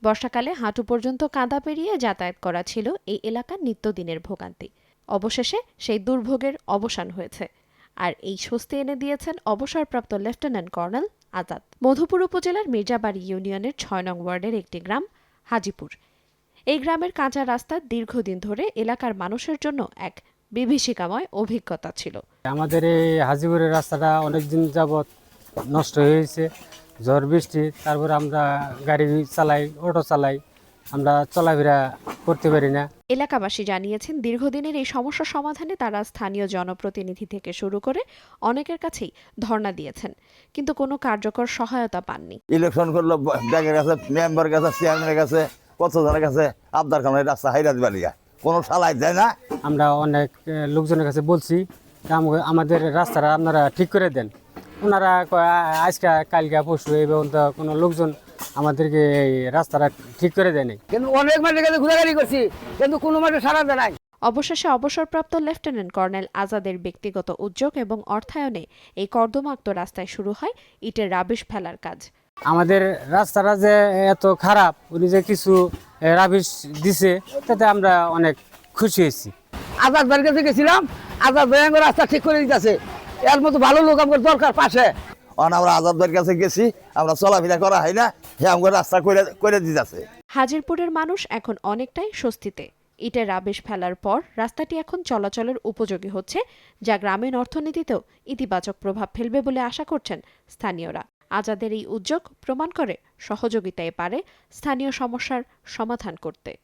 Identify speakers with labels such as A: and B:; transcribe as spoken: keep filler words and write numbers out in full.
A: বর্ষাকালে হাঁটু পর্যন্ত কাদা পেরিয়ে যাতায়াত করা ছিল এই এলাকার নিত্যদিনের ভোগান্তি। অবশেষে সেই দুর্ভোগের অবসান হয়েছে। আর এই স্বস্তি এনে দিয়েছেন অবসরপ্রাপ্ত লেফটেন্যান্ট কর্নেল আজাদ। মধুপুর উপজেলার মির্জাবাড়ি ইউনিয়নের ছয় নং ওয়ার্ডের একটি গ্রাম হাজিপুর। এই গ্রামের কাঁচা রাস্তা দীর্ঘদিন ধরে এলাকার মানুষের জন্য এক বিভীষিকাময় অভিজ্ঞতা ছিল।
B: আমাদের এই হাজিপুরের রাস্তাটা অনেকদিন যাবৎ নষ্ট হয়েছে, ঝড় বৃষ্টি, তারপর আমরা গাড়ি চালাই, অটো চালাই, আমরা চলাফেরা করতে পারি না।
A: এলাকাবাসী জানিয়েছেন, দীর্ঘদিনের এই সমস্যা সমাধানে তারা স্থানীয় জনপ্রতিনিধি থেকে শুরু করে অনেকের কাছেই ধর্ণা দিয়েছেন, কিন্তু কোনো কার্যকর সহায়তা পাননি।
C: ইলেকশন করলো, ব্যাংকের কাছে, মেম্বার কাছে, চেয়ারম্যানের কাছে, কতজনের কাছে আবদার খানের রাস্তা হাইরাত বালিয়া কোনো সালাই যায় না।
B: আমরা অনেক লোকজনের কাছে বলছি আমাদের রাস্তাটা আপনারা ঠিক করে দেন। ওনারা আজকে কালকে পরশু এই পর্যন্ত কোনো লোকজন আমাদেরকে এই রাস্তাটা ঠিক করে দেয়নি।
D: কিন্তু অনেক মাঠে গেলে ঘোরাঘুরি করছি, কিন্তু কোনো মাঠে সারা দেয় নাই।
A: অবশেষে অবসরপ্রাপ্ত লেফটেন্যান্ট কর্নেল আজাদের ব্যক্তিগত উদ্যোগ এবং অর্থায়নে এই কর্দমাক্ত রাস্তায় শুরু হয় ইটের রাবিশ ফেলার কাজ।
B: আমাদের রাস্তাটা যে এত খারাপ, উনি যে কিছু রাবিশ দিছে তাতে আমরা অনেক খুশি হয়েছি।
D: আজাদ ভাইয়ের কাছে গেছিলাম, আজাদ ভাই রাস্তা ঠিক করে দিতেছে। এর মতো ভালো লোক আমার দরকার পাশে।
C: আমরা আজাদ ভাইয়ের কাছে গেছি, আমরা চলাফেরা করা হয় না, হ্যাঁ আমার রাস্তা করে করে দিতেছে।
A: হাজিরপুরের মানুষ এখন অনেকটাই স্বস্তিতে। ইটের রাবিশ ফেলার পর রাস্তাটি এখন চলাচলের উপযোগী হচ্ছে, যা গ্রামীণ অর্থনীতিতেও ইতিবাচক প্রভাব ফেলবে বলে আশা করছেন স্থানীয়রা। আজাদের এই উদ্যোগ প্রমাণ করে সহযোগিতায় পারে স্থানীয় সমস্যার সমাধান করতে।